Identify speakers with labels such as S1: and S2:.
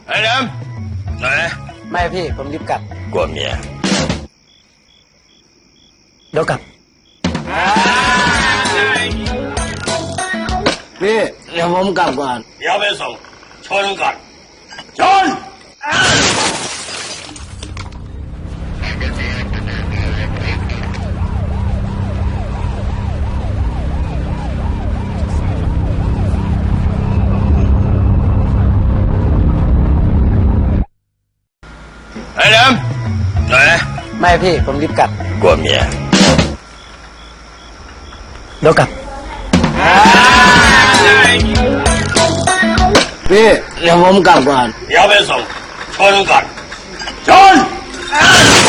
S1: ไอ้แหลมไหน
S2: ไม่พี่ผมรีบกลับ
S1: กลัวเมีย
S2: เดี๋ยวกลับพี่เดี๋ยวผมกลับก่อน
S1: เดี๋ยวไปส่งชนก่อนชนไอ้แหลมไหน
S2: ไม่พี่ผมรีบกลับ
S1: กลัวเมีย
S2: เดี๋ยวกลับพี่เดี๋ยวผมกลับก่อน
S1: เดี๋ยวไปส่งชนก่อนชน